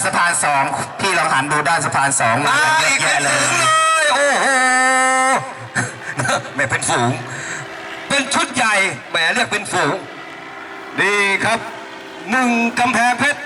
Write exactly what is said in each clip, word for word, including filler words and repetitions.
สะพานสองพี่ลองหันดูด้านสะพานสองมาเยอะแยะเลยโอ้โหแม่เป็นฝูงเป็นชุดใหญ่แหมเรียกเป็นฝูงดีครับหนึ่งกำแพงเพชร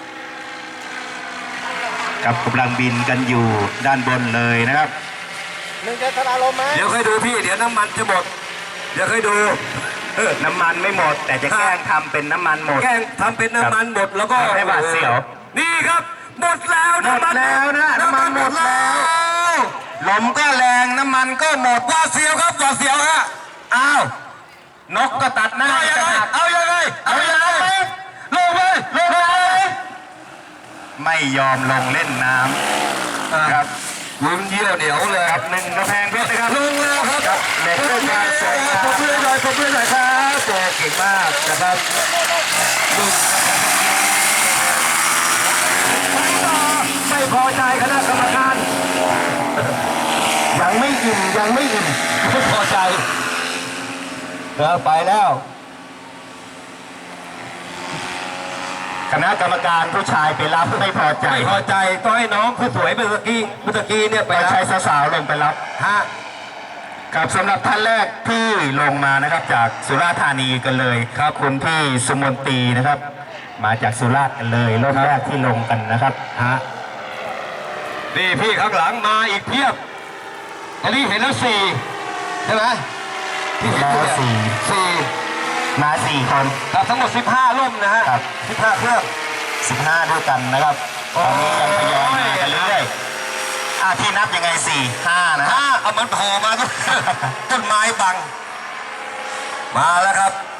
กับกำลังบินกันอยู่ด้านบนเลยนะครับหนึ่งจะทราลมไหมเดี๋ยวค่อยดูพี่เดี๋ยวน้ำมันจะหมดเดี๋ยวค่อยดูน้ำมันไม่หมดแต่จะแกล้งทำเป็นน้ำมันหมดแกล้งทำเป็นน้ำมันหมดแล้วก็ให้บาดเสียวนี่ครับหมดแล้วหมดแล้วนะน้ำมันหมดแล้วลมก็แรงน้ำมันก็หมดว่าเสียวครับว่าเสียวฮะอ้าวนกก็ตัดหน้าเอายังไงเอายังไงเอายังไงลงเลยลงเลยไม่ยอมลงเล่นน้ำครับลุ้นเยี่ยวเหนียวเลยครับหนึ่งกระแพงเพชรนะครับลงแล้วครับเล็กด้วยการสวยงามผมเพื่อนหน่อยผมเพื่อนหน่อยครับโอ้เก่งมากนะครับไม่พอใจคณะกรรมการยังไม่อิ่มยังไม่อิ่มไม่พอใจเออไปแล้วคณะกรรมการผู้ชายไปรับไม่พอใจไม่พอใจต้องให้น้องผู้สวยเมื่อกี้เมื่อกี้เนี่ยไปใช้สาวๆลงไปรับฮะกับสำหรับท่านแรกที่ลงมานะครับจากสุราษฎร์ธานีกันเลยครับคุณพี่สุมนตรีนะครับมาจากสุราษฎร์กันเลยรอบแรกที่ลงกันนะครับฮะนี่พี่ข้างหลังมาอีกเพียบตอนนี้เห็นแล้วสี่ใช่ไหมที่เห็นแล้วสี่สี่มาสี่คนครับทั้งหมดสิบห้าร่มนะฮะครับสิบห้าเครื่องสิบห้าด้วยกันนะครับตอนนี้ยังทยอยมากันเรื่อยๆอ่ะที่นับยังไงสี่ห้านะห้าเอามันโผล่มาต้นไม้บังมาแล้วครับ